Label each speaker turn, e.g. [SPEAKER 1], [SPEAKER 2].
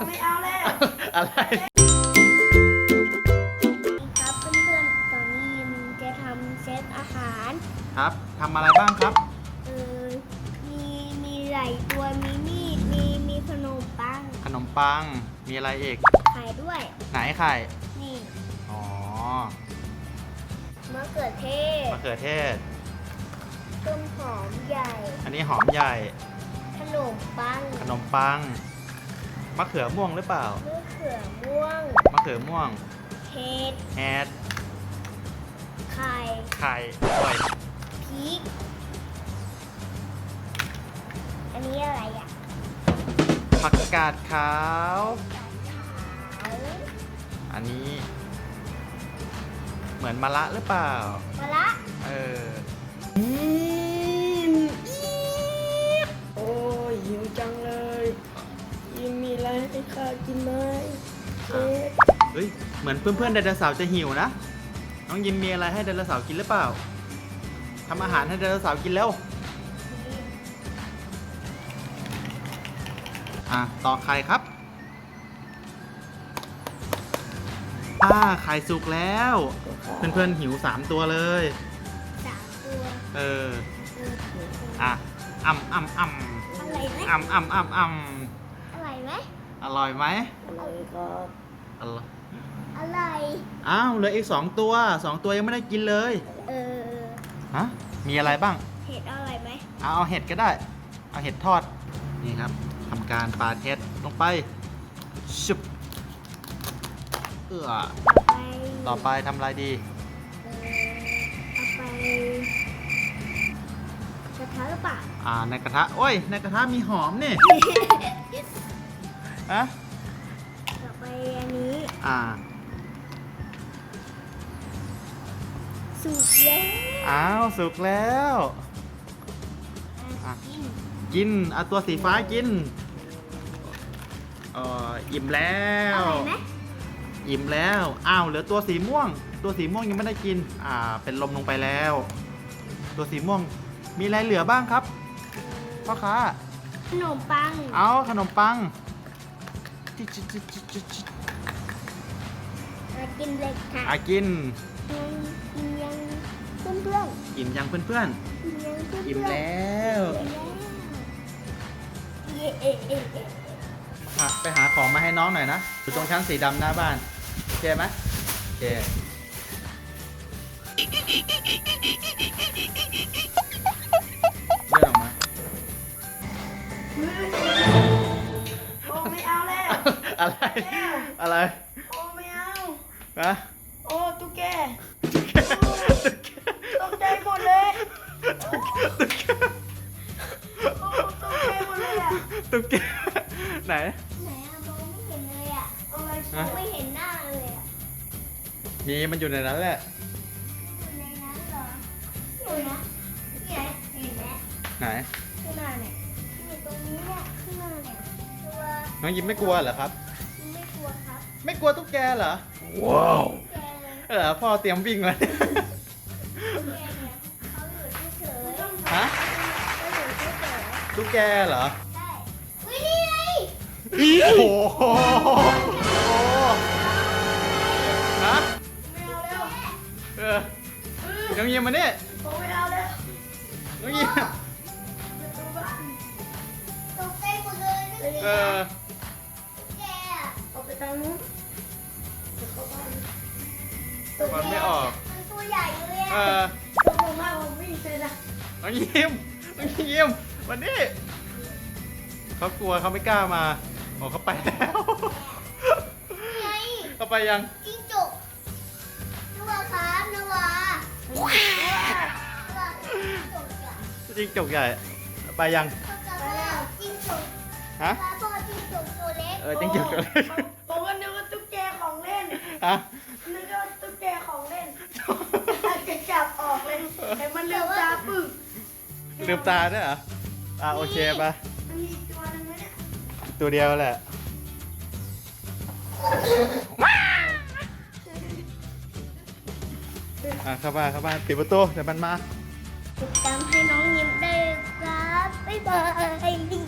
[SPEAKER 1] ไม่เอาแล้ว
[SPEAKER 2] อะไร
[SPEAKER 3] ครับเพื่อนๆตอนนี้ยิมจะทำเซตอาหาร
[SPEAKER 2] ครับทำอะไรบ้างครับ
[SPEAKER 3] เออมีหลายตัวมีมีดมีขนมปัง
[SPEAKER 2] ขนมปังมีอะไรอีก
[SPEAKER 3] ไข่ด้วย
[SPEAKER 2] ไหนไข่
[SPEAKER 3] นี่
[SPEAKER 2] อ๋อ
[SPEAKER 3] มะเขือเทศ
[SPEAKER 2] มะเขือเทศ
[SPEAKER 3] ต้นหอมใหญ่
[SPEAKER 2] อันนี้หอมใหญ่
[SPEAKER 3] ขนมปัง
[SPEAKER 2] มะเขือม่วงหรือเปล่าม
[SPEAKER 3] ะเขือม่วง
[SPEAKER 2] มะเขือม่วง
[SPEAKER 3] เห็ดไข่
[SPEAKER 2] ด้วย
[SPEAKER 3] พริกอันนี้อะไรอ่ะ
[SPEAKER 2] ผักกาดขาวอันนี้เหมือนมะระหรือเปล่าม
[SPEAKER 3] ะระ
[SPEAKER 1] โอ้ยหิวจังเลยยิมมีอะไรให้ข้ากินไหมเค้ก
[SPEAKER 2] เฮ้ยเหมือนเพื่อนๆไดโนเสาร์จะหิวนะน้องยิมมีอะไรให้ไดโนเสาร์กินหรือเปล่าทำอาหารให้ไดโนเสาร์กินแล้วต่อไข่ครับไข่สุกแล้วเพื่อนๆหิว3ตัวเลย
[SPEAKER 3] 3ตัว
[SPEAKER 2] อ่ำ
[SPEAKER 3] อร่อยไหม
[SPEAKER 2] อร่อยไหม
[SPEAKER 1] อร่อยครับ
[SPEAKER 3] อร่อย
[SPEAKER 2] อ้าวเหลืออีก2ตัวยังไม่ได้กินเลยฮะมีอะไรบ้าง
[SPEAKER 3] เห็ดอร่อยไหม
[SPEAKER 2] เอาเห็ดก็ได้เอาเห็ดทอดนี่ครับทำการปาเห็ดลงไปชุบต่อไปทำอะไรดี
[SPEAKER 3] เอาไปกระทะหรือเปล่า
[SPEAKER 2] ในกระทะโอ้ยในกระทะมีหอมนี่ฮะ
[SPEAKER 3] ต่อไปอันนี้สุกแล้ว
[SPEAKER 2] สุกแล้วกินเอาตัวสีฟ้ากินอิ่มแล้วอิ่มแล้วเหลือตัวสีม่วงยังไม่ได้กินเป็นลมลงไปแล้วตัวสีม่วงมีอะไรเหลือบ้างครับพ่อค้า
[SPEAKER 3] ขนมปัง
[SPEAKER 2] ขนมปัง
[SPEAKER 3] กินเลยค่ะ
[SPEAKER 2] กิน
[SPEAKER 3] ยังเพื่อน
[SPEAKER 2] อิ่มยังเพื่อนอิ่มแล้วไปหาของมาให้น้องหน่อยนะอยู่ตรงชั้นสีดำหน้าบ้านโอเคไหมโอเคเลื่อนออกมา
[SPEAKER 1] โอ้ไม่เอาแล้ว
[SPEAKER 2] อะไร
[SPEAKER 1] โอ้ไม่เอาโอ้ตุ๊กแกตกใจหมดเลย
[SPEAKER 2] ตุ๊กแกไหน
[SPEAKER 3] มองไม่เห็นเลยไม่เห็นหน้าเลย
[SPEAKER 2] มีมันอยู่ในนั้นแหละ
[SPEAKER 3] อยู่ในนั้นเหรออยู่นะนี่เห็นไหม
[SPEAKER 2] ไหน
[SPEAKER 3] ข้างหน้าเนี่ยอยู่ตรงนี้เนี่ยข้างหน้าเนี่ยตัว
[SPEAKER 2] น้องยิ้มไม่กลัวเหรอครับ
[SPEAKER 3] ไม่กลัวครับ
[SPEAKER 2] ไม่กลัวตุ๊กแกเหรอว้าวพ่อเตรียมวิ่งเลยฮะตุ๊กแกเหรอ
[SPEAKER 3] ใช่นี่ไง
[SPEAKER 2] โอ้โหฮะ
[SPEAKER 1] ไม่เอาแล้ว
[SPEAKER 2] น้องยิ้มมาเนี่ย
[SPEAKER 1] ไม่เอาแล้ว
[SPEAKER 2] น้องยิ้ม
[SPEAKER 3] ตกใจหมดเลยตุ๊กแก
[SPEAKER 1] ออกไปทางนู้น
[SPEAKER 2] มันไม่ออก
[SPEAKER 3] มันตัวใหญ่เลย
[SPEAKER 1] ตัวผมมากผมวิ่งเลยนะ
[SPEAKER 2] น้องยิ้มวันนี้เขากลัวเขาไม่กล้ามาเขาไปแล้วเขาไปยัง
[SPEAKER 3] จิ้งจกนวาครับนวา
[SPEAKER 2] จิ้งจกใหญ่ไปยัง
[SPEAKER 3] จิ้งจก
[SPEAKER 2] ฮะ
[SPEAKER 3] พ่อจิ้งจกตัวเล็ก
[SPEAKER 2] จิ้งจกตัวเล็ก
[SPEAKER 1] ผมก็นึกว่าตุ๊กแกของเล่นนึกว่าตุ๊กแกของเล่นจะจับออกเลยแต่มันลืมตาปึก
[SPEAKER 2] ลืมตาด้วยเหรอโอเคปะ
[SPEAKER 1] มันมีตัวนึงไหมเนี่ย
[SPEAKER 2] ตัวเดียวแหละเข้าบ้านปิดประตูเดี๋ยวมันมา
[SPEAKER 3] ติดตามให้น้องยิ้มได้ครับบ๊ายบาย